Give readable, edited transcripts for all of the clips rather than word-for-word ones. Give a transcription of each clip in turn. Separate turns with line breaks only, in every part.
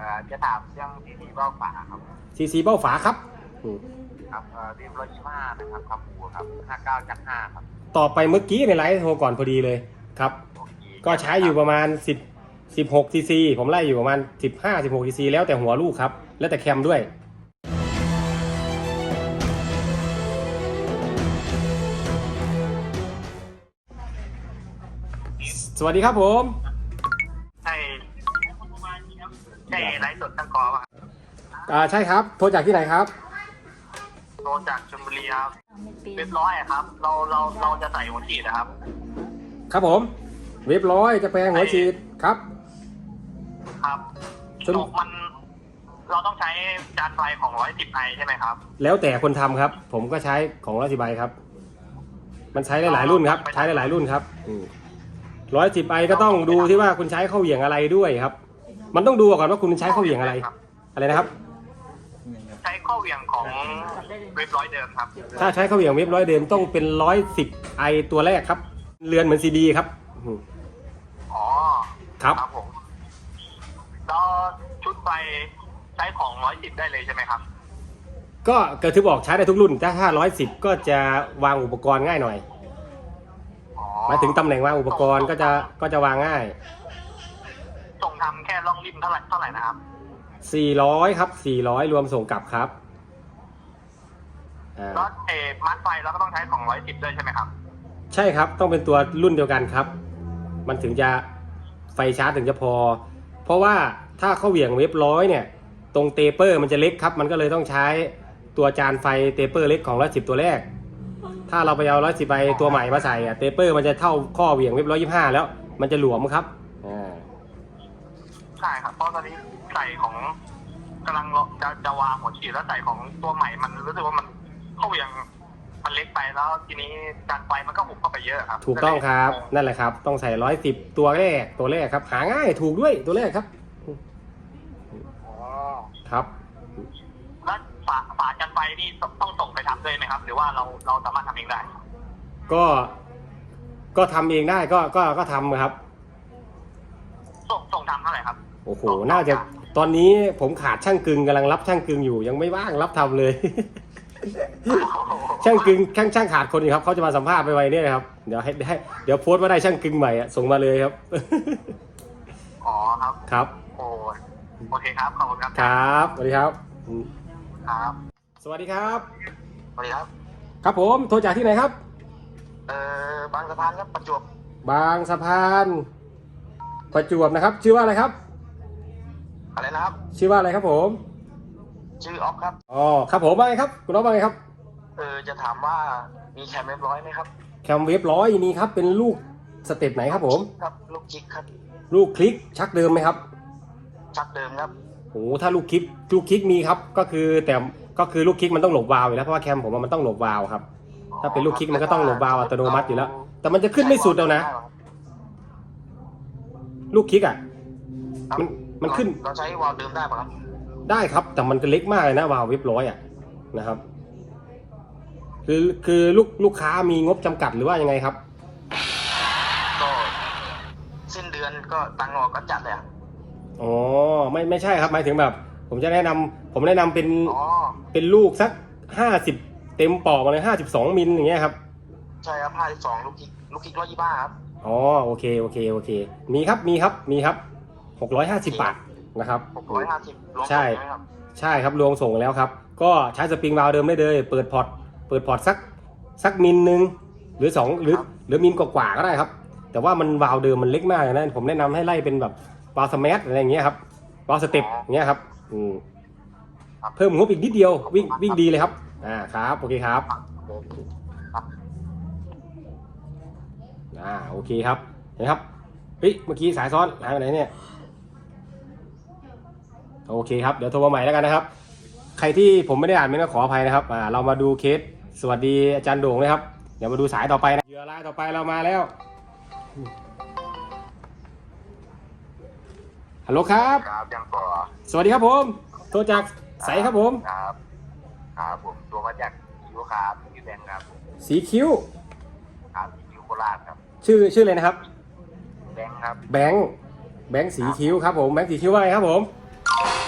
จะถามเรื่องซีเบ้าฝาครับ
ซีเบ้าฝาครับ
ครับเรียบ125นะครับครับหูครับ59/5ครับ
ต่อไปเมื่อกี้ในไลฟ์โทรก่อนพอดีเลยครับก็ใช้อยู่ประมาณ16ซีซีผมไล่อยู่ประมาณ15-16ซีซีแล้วแต่หัวลูกครับแล้วแต่แคมด้วยสวัสดีครับผม
ใช่ไลฟ์สดตั้งกอป่ะ
ใช่ครับโทรจากที่ไหนครับ
โทรจากชลบุรีครับเรียบร้อยครับเราจะใส่หัวฉีดนะครับ
ครับผมเรียบร้อยจะแปลงหัวฉีดครับ
ครับมันเราต้องใช้จานไฟของ110iใช่ไหมครับ
แล้วแต่คนทำครับผมก็ใช้ของ110iครับมันใช้ได้หลายรุ่นครับใช้ได้หลายรุ่นครับ110iก็ต้องดูที่ว่าคุณใช้เข้าเหวี่ยงอะไรด้วยครับมันต้องดูก่อนว่าคุณใช้เข้าเหวี่ยงอะไรนะครับ
ใช้เข้าเหวี่ยงของเว็บร้อยเดิมครับ
ถ้าใช้เข้าเหวี่ยงเว็บร้อยเดิมต้องเป็น110iตัวแรกครับเรือนเหมือนซีดีครับ
อ๋อ
ครับ
ผมแล้วชุดไฟใช้ของ110ได้เลยใช่ไหมครับ
ก็ถือบอกใช้ได้ทุกรุ่นถ้า110ก็จะวางอุปกรณ์ง่ายหน่อยหมายถึงตำแหน่งวางอุปกรณ์ก็จะวางง่าย
ส่งทำแค่ล่องริมเท่าไหร่นะครับ
400ครับ400รวมส่งกลับครับ
แล้วมัดไฟเราก็ต้องใช้ของ110ด้วยใช่ไหมครับ
ใช่ครับต้องเป็นตัวรุ่นเดียวกันครับมันถึงจะไฟชาร์จถึงจะพอเพราะว่าถ้าเข้าเหวี่ยงเว็บร้อยเนี่ยตรงเตเปอร์มันจะเล็กครับมันก็เลยต้องใช้ตัวจานไฟเตเปอร์เล็กของ110ตัวแรกถ้าเราไปเอา110ใบตัวใหม่มาใส่เตเปอร์มันจะเท่าข้อเหวี่ยงเว็บ125แล้วมันจะหลวมครับ
ใช่ครับเพราะตอนนี้ใส่ของกำลังจะวางหัวฉีดแล้วใส่ของตัวใหม่มันรู้สึกว่ามันเข้าเหวี่ยงมันเล็กไปแล้วทีนี้จานไฟมันก็หุบเข้าไปเยอะครับ
ถูกต้องครับนั่นแหละครับต้องใส่110ตัวแรกครับหาง่ายถูกด้วยตัวแรกครับครับ
แล้วฝาจานไฟนี่ต้องส่งไปทำด้วยไหมครับหรือว่าเราสามารถทำเองได้
ก็ทำเองได้ก็ทำครับ
ส่งทำเท่าไหร่ครับ
โอ้โหน่าจะตอนนี้ผมขาดช่างกึงกำลังรับช่างกึงอยู่ยังไม่ว่างรับทำเลยช่างกึงช่างขาดคนอยู่ครับเขาจะมาสัมภาษณ์ไปไวเนี่ยนะครับเดี๋ยวโพสต์ว่าได้ช่างกึงใหม่ส่งมาเลยครับ
อ๋อครับ
ครับ
โอเคครับขอบคุณครับ
ครับสวัสดีครับ
ครับ
สวัสดีครับ
สวัสดีครับ
ครับผมโทรจากที่ไหนครับ
บางสะพานครับประจวบบ
างสะพานประจวบนะครับชื่อว่าอะไรครับ
อะไรนะครับ
ชื่อว่าอะไรครับผม
ชื่อออฟครับ
อ๋อครับผมว่าไงครับคุณออฟว่าไงครับ
จะถามว่ามีแคมเว็บร้อยไหมครับ
แคมเว็บร้อยนี่ครับเป็นลูกสเต็ปไหนครับผม
ครับลูกคลิกครับ
ลูกคลิกชักเดิมไหมครับ
ชักเดิมครับ
โอ้ถ้าลูกคลิกมีครับก็คือลูกคลิกมันต้องหลบวาล์วอยู่แล้วเพราะว่าแคมผมมันต้องหลบวาล์วครับถ้าเป็นลูกคลิกมันก็ต้องหลบวาล์วอัตโนมัติอยู่แล้วแต่มันจะขึ้นไม่สุดแล้วนะลูกคลิกอ่ะมันขึ้น
เราใช้วาล์วเดิมได้ปะครับ
ได้ครับแต่มันจะเล็กมากเลยนะวาล์วเว็บร้อยอ่ะนะครับคือลูกค้ามีงบจำกัดหรือว่ายังไงครับ
ก็สิ้นเดือนก็ตังค์ออกก็จัดเลย
อ๋อไม่ใช่ครับหมายถึงแบบผมแนะนำเป็นลูกสัก50เต็มปอกมาเลย52มิลอย่างเงี้ยครับ
ใช่ครับ52ลูกคลิก125ครับ
อ๋อโอเคมีครับ650 บาทนะครับ
650
ใช่ครับรวมส่งแล้วครับก็ใช้สปริงวาล์วเดิมได้เลยเปิดพอร์ตสักมิลนึงหรือ2หรือมิลกว่าก็ได้ครับแต่ว่ามันวาล์วเดิมมันเล็กมากนะผมแนะนำให้ไล่เป็นแบบวาล์วสแมาร์ทอะไรอย่างเงี้ยครับวาล์วสเต็ปอย่างเงี้ยครับเพิ่มงบอีกนิดเดียววิ่งดีเลยครับครับโอเคครับโอเคครับเห็นครับเฮ้ยเมื่อกี้สายซ้อนหายไปไหนเนี่ยโอเคครับเดี๋ยวโทรมาใหม่แล้วกันนะครับใครที่ผมไม่ได้อ่านไม่ต้องขออภัยนะครับเรามาดูเคสสวัสดีอาจารย์โด่งเลยครับเดี๋ยวมาดูสายต่อไปนะเหยื่อรายต่อไปเรามาแล้วฮัลโหลครับ
ยังก่อ
สวัสดีครับผมโทรจากใสครับผม
ครับผมตัวมาจากคิวครับคิวแดงครับ
สีคิ้ว
ครับคิวโคราชครับ
ชื่ออะไรนะครับ
แบงค์ครับ
แบงค์สีคิ้วครับผมแบงค์สีคิ้วว่าไงครับผม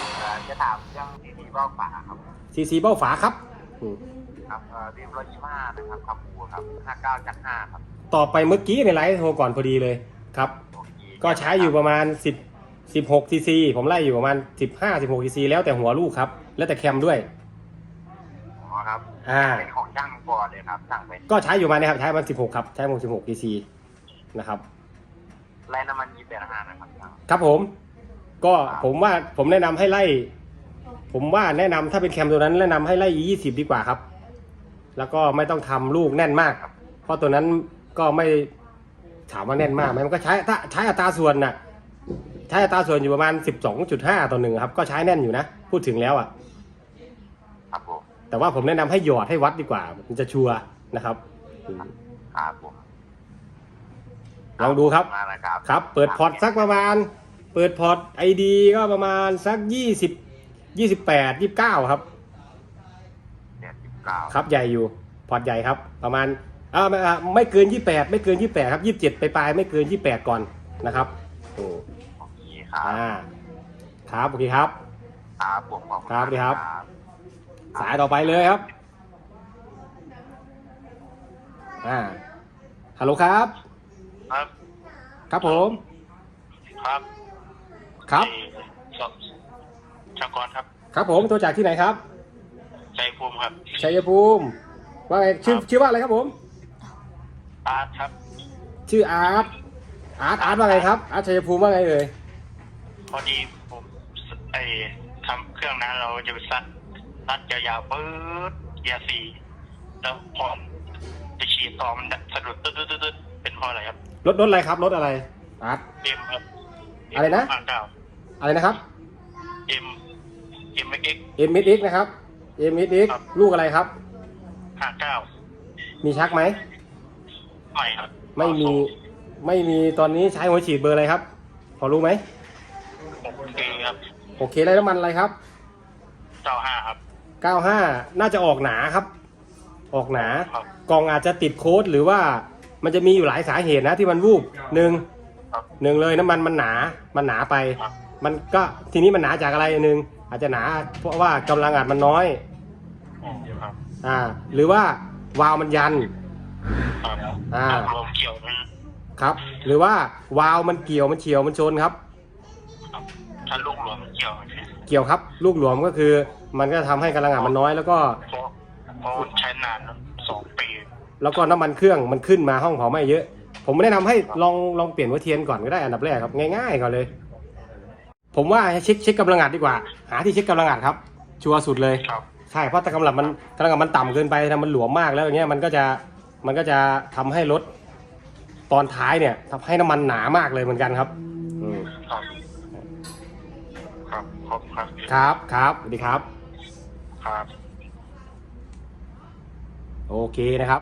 จะถามเรื่องซีเบ้าฝาครับ
CC เบ้าฝาครับอืม
ครับทีม125นะครับคำพูครับ59จาก5ครับ
ต่อไปเมื่อกี้ในไลฟ์โทรก่อนพอดีเลยครับ
โอเค
ก็ใช้อยู่ประมาณ16 cc ผมไล่อยู่ประมาณ16 cc แล้วแต่หัวลูกครับแล้วแต่แคมด้วย
อ๋อครับ เป็นของช่างก่อนเลยครับช่างเป็น
ก็ใช้อยู่มานะครับใช้มัน16ครับใช้16 cc นะครับ
ไล่น้ำมัน28.5นะครับช่าง
ครับผมก็ผมว่าผมแนะนำให้ไล่ผมว่าแนะนำถ้าเป็นแคมตัวนั้นแนะนำให้ไล่20ดีกว่าครับแล้วก็ไม่ต้องทำลูกแน่นมากเพราะตัวนั้นก็ไม่ถามว่าแน่นมากไหมมันก็ใช้ถ้าใช้อัตราส่วนน่ะใช้อัตราส่วนอยู่ประมาณ 12.5 ต่อ 1ครับก็ใช้แน่นอยู่นะพูดถึงแล้วอ่ะ
ครับผม
แต่ว่าผมแนะนำให้หยอดให้วัดดีกว่ามันจะชัวร์นะครับ
ครับผม
ลองดูครับ
มาแล้วครับ
ครับเปิดพอร์ตสักประมาณเปิดพอร์ต ID ก็ประมาณสัก28 29ครับ
79
ครับใหญ่อยู่พอร์ตใหญ่ครับประมาณไม่เกิน28ไม่เกิน28ครับ27ไปไม่เกิน28ก่อนนะครับโอ้
โอเคครับ
ครับโอเคครับ
ครับผมขอบคุณ
ครับดีครับ สายต่อไปเลยครับฮัลโหลครับ
ครับ
ครับผม
ครับ
ครับ
ชากรครับ
ครับผมตัวจากที่ไหนครับ
ใจภูมิครับ
ชัยภูมิว่าไงชื่อว่าอะไรครับผม
อาร์ตครับ
ชื่ออาร์ตว่าไงครับอาร์ตชัยภูมิว่าไงเอ่ย
พอดีผมทำเครื่องนั้นเราจะไปซัดยาวๆปื๊ดเกียร์สี่แล้วพอจะฉีดต่อมันสะดุดตึ๊ดเป็นเพราะอะไรครับ
รถอะไรครับรถอะไรอาร์ต
เอ็มครับ
อะไรนะ
59
อะไรนะครับ
เอ็มเอ็ก
MSX นะครับ MSX
ครับ
ลูกอะไรครับ
59
มีชักไหม
ไม่ครับ
ไม่มีตอนนี้ใช้หัวฉีดเบอร์อะไรครับ พอรู้ไหม
โอเคครับ
โอเคได้น้ำมันอะไรครับ
95ครับ
95น่าจะออกหนาครับ ออกหนา
ครับ
กล่องอาจจะติดโค้ดหรือว่ามันจะมีอยู่หลายสาเหตุนะที่มันวูบหนึ่งเลยน้ำมันมันหนาไป
ครับ
มันก็ทีนี้มันหนาจากอะไรหนึ่งอาจจะหนาเพราะว่ากำลังอัดมันน้อย
ครับ
หรือว่าวาล์วมันยัน
ครับลมเกี่ยวมัน
ครับ หรือว่าวาล์วมันเกี่ยวมันเฉียวมันชนครับ
ครับถ้าลูกหลวมเกี่ยวใช่
เกี่ยวครับลูกหลวมก็คือมันก็ทำให้กำลังอัดมันน้อยแล้วก็
เพราะใช้นาน2 ปี
แล้วก็น้ำมันเครื่องมันขึ้นมาห้องเผาไหม้เยอะ ผมแนะนำให้ลองเปลี่ยนหัวเทียนก่อนก็ได้อันดับแรกครับง่ายๆก่อนเลย ผมว่าให้เช็คกำลังอัดดีกว่า หาที่เช็คกำลังอัดครับ ชัวร์สุดเลย
ครับ
ใช่เพราะถ้ากำลังมันต่ำเกินไปถ้ามันหลวมมากแล้วอย่างเงี้ยมันก็จะทำให้รถตอนท้ายเนี่ยทำให้น้ำมันหนามากเลยเหมือนกันครับอืม
ครับครับครบครับ
ครับสวัสดีครับ
ครับ
โอเคนะครับ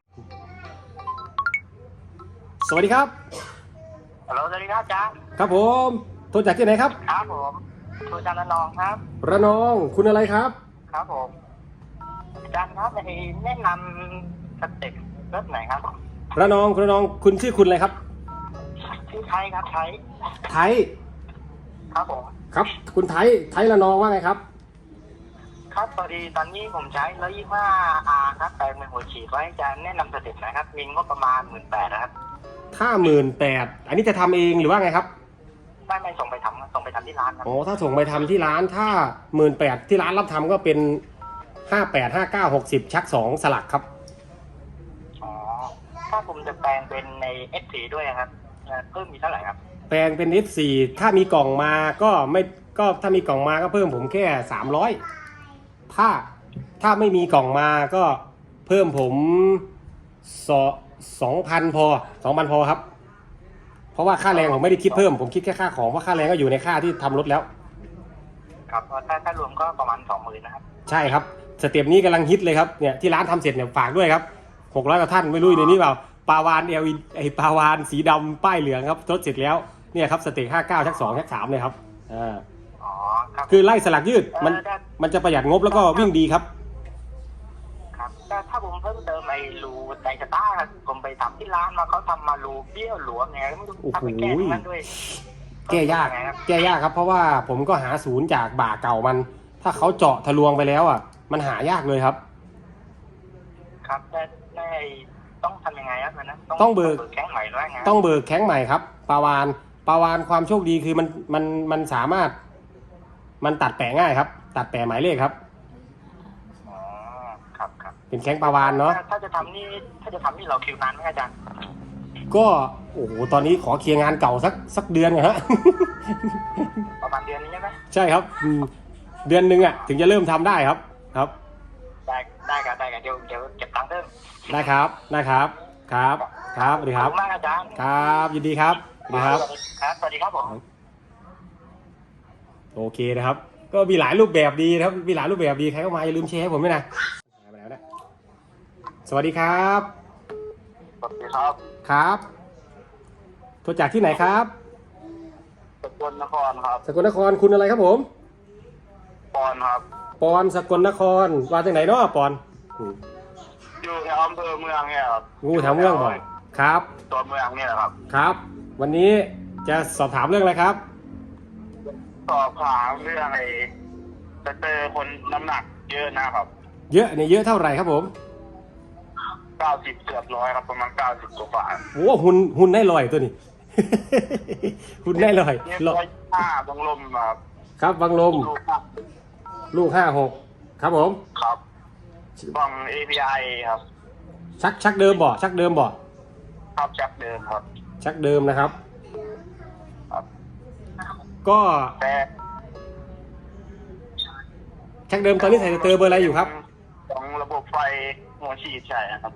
สวัสดีครับ
ฮัลโหลสวัสดีครับจ๊ะ
ครับผมโทรจากที่ไหนครับ
ครับผมครูจันทร์ระนองครับ
ระนองคุณอะไรครับ
ครับผมอาจารย์ครับแนะนำสเต็ปรถไหนครับ
ระนองคุณชื่อคุณอะไรครับ
ชื่อไทยครับไทย
ไทย
ครับผม
ครับคุณไทยระนองว่าไงครับ
ครับพอดีตอนนี้ผมใช้125R ครับแต่เป็นหัวฉีดไว้จะแนะนำสเต็ปไหนครับมีงบประมาณ 18,000นะครับ
ถ้า18,000อันนี้จะทำเองหรือว่าไงครับ
ไม่ส่งไปทำที่ร้านครับ
อ๋อถ้าส่งไปทำที่ร้านถ้า18,000ที่ร้านรับทำก็เป็น58 59 60ชัก2สลักครับ
อ๋อถ้าผมจะแปลงเป็นใน F4 ด้วยครับเพิ่มมีเท่าไหร่ครับ
แปลงเป็น F4 ถ้ามีกล่องมาก็ถ้ามีกล่องมาก็เพิ่มผมแค่300ถ้าไม่มีกล่องมาก็เพิ่มผม2,000พอครับเพราะว่าค่าแรงผมไม่ได้คิดเพิ่มผมคิดแค่ค่าของเพราะค่าแรงก็อยู่ในค่าที่ทำรถแล้ว
ครับถ้ารวมก็ประมาณ 20,000นะครับ
ใช่ครับสเต็ปนี้กำลังฮิตเลยครับเนี่ยที่ร้านทำเสร็จเนี่ยฝากด้วยครับ600กว่าท่านไม่รู้ในนี้เปล่าปาวานปาวานสีดำป้ายเหลืองครับทดเสร็จแล้วเนี่ยครับสเต็ป59ชัก2ชัก3เลยครับ
อ๋อครับ
คือไล่สลักยืดมันจะประหยัดงบแล้วก็วิ่งดีครับ
ครับถ้าผมเพิ่มเติมไอ้รูไดสตาร์ผมไปทำที่ร้านมาเขาทำมารูเบี้ยวหลวมไงไม่รู้ทำไปแก้ตรงนั้นด้วย
แก้ยากครับเพราะว่าผมก็หาศูนย์จากบ่าเก่ามันถ้าเขาเจาะทะลวงไปแล้วอ่ะ มันหายากเลยครับ
ครับได้ต้องทำยังไงครับมันนะ
ต้องเบิก
แข้งใหม่ด้วยไง
ต้องเบิกแข้งใหม่ครับปลาวานความโชคดีคือมันสามารถ มันตัดแปะง่ายครับ ตัดแปะหมายเลขครับ
อ๋อครับครับ
เป็นแข้งปลาวานเนาะ
ถ้าจะทำนี่เราคิวนานไหมอาจารย์
ก็โอ้โหตอนนี้ขอเคลียร์งานเก่าสักเดือนก่อนฮะ
ประมาณเดือนนี้ใช่ไหม
ใช่ครับเดือนหนึ่งอ่ะถึงจะเริ่มทำได้ครับครับ
ได้ครับเดี๋ยวเก็บตังค์เพิ่ม
ได้ครับครับสวัสดี
ข
ค
อบ
รับ
คุณมากอาจารย์
ครับยินดีครับสวัสดีครับ
ครับสวัสดีครับผม
โอเคนะครับ ก็มีหลายรูปแบบดีนะครับมีหลายรูปแบบดีใครเข้ามาอย่าลืมแชร์ให้ผมด้วยนะไปแล้วนะสวัสดีครับ
สวัสดีครับ
ครับโทรจากที่ไหนครับ
สกลนครครับ
สกลนครคุณอะไรครับผม
ปอนครับ
ปอนสกลนครมาจากไหนเนาะปอนอืม
อยู่แถวอำเภอเมืองเนี่ยครับ
งูแถวเมืองบ่อยครับ
ตัวเมืองเนี่ยครับ
ครับ วันนี้จะสอบถามเรื่องอะไรครับ
สอบถามเรื่องจะเจอคนน้ำหนักเยอะนะครับ
เยอะเนี่ยเยอะเท่าไหร่ครับผม
90เกือบ100ครับประมาณ90กว่า
โอ้หุ่นได้ลอยตัวนี้ หุ่นได้ลอย
เนี่ย
ลอย
105บังลมครับ
ครับบังลม
ดูครับ
ลูก56ครับผม
ครับบัง API ครับ
ชักเดิมบ่ชักเดิมบ่
ครับจากเดิมครับ
ชักเดิมนะครับ
ครับ
ก็
แต่
ชักเดิมตอนนี้ใส่สเตอร์เบอร์อะไรอยู่ครับ
ของระบบไฟหัวฉีดใช่ครับ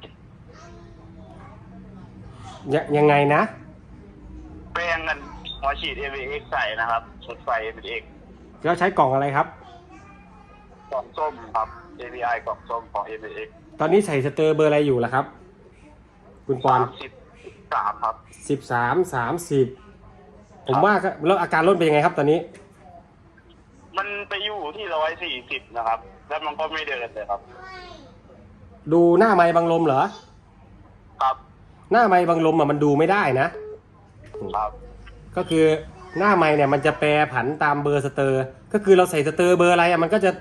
ยังไงนะ
แปลงกันหัวฉีด AVX ใส่นะครับชุดไฟ AVX
แล้วใช้กล่องอะไรครับ
กล่องส้มครับ AVI กล่องส้มของ AVX
ตอนนี้ใส่สเตอร์เบอร์อะไรอยู่ล่ะครับ คุณปอน
33ครับ
13 30ผมว่าก็แล้วอาการรถเป็นยังไงครับตอนนี้
มันไปอยู่ที่140นะครับ แล้วมันก็ไม่เดินเลยครับ
ดูหน้าไม้บังลมเหรอ
ครับ
หน้าไม้บังลมอ่ะมันดูไม่ได้นะ
ครับ
ก็คือหน้าไม้เนี่ยมันจะแปรผันตามเบอร์สเตอร์ ก็คือเราใส่สเตอร์เบอร์อะไรอ่ะมันก็จะ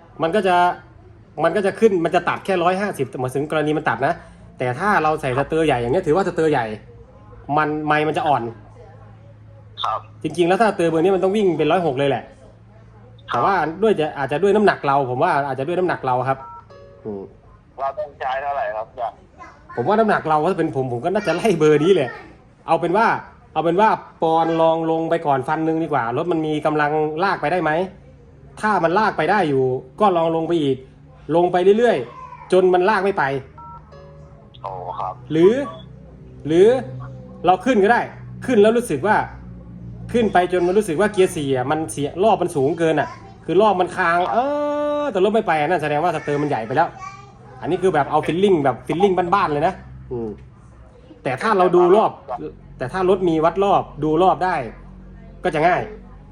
ขึ้นมันจะตัดแค่150หมายถึงกรณีมันตัดนะ แต่ถ้าเราใส่สเตอร์ใหญ่อย่างเงี้ยถือว่าสเตอร์ใหญ่ ไม้มันจะอ่อน
ครับ
จริงๆแล้วถ้าสเตอร์เบอร์นี้มันต้องวิ่งเป็น106เลยแหละ แต่ว่าด้วยอาจจะด้วยน้ำหนักเราผมว่าอาจจะด้วยน้ำหนักเราครับอืม
เราต้องใช้เท่าไหร่ครับอาจารย์
ผมว่าน้ำหนักเราถ้าเป็นผมก็น่าจะไล่เบอร์นี้เลยเอาเป็นว่าปอนลองลงไปก่อนฟันหนึ่งดีกว่ารถมันมีกำลังลากไปได้ไหมถ้ามันลากไปได้อยู่ ก็ลองลงไปอีก ลงไปเรื่อยๆจนมันลากไม่ไป
โอ้ครับ
หรือเราขึ้นก็ได้ ขึ้นแล้วรู้สึกว่าขึ้นไปจนมันรู้สึกว่าเกียร์4อ่ะมันเสียรอบมันสูงเกินอ่ะ คือรอบมันค้างแต่รถไม่ไปนั่นแสดงว่าสเตอร์มันใหญ่ไปแล้ว อันนี้คือแบบเอาฟิลลิ่งแบบฟิลลิ่งบ้านๆเลยนะแต่ถ้าเราดูรอบ แต่ถ้ารถมีวัดรอบดูรอบได้ ก็จะง่าย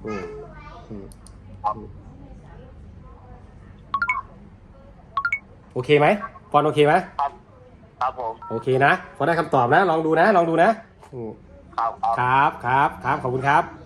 โอเคไหมปอนโอเคไหม
ครับครับผม
โอเคนะพอได้คำตอบนะลองดูนะครับขอบคุณครับ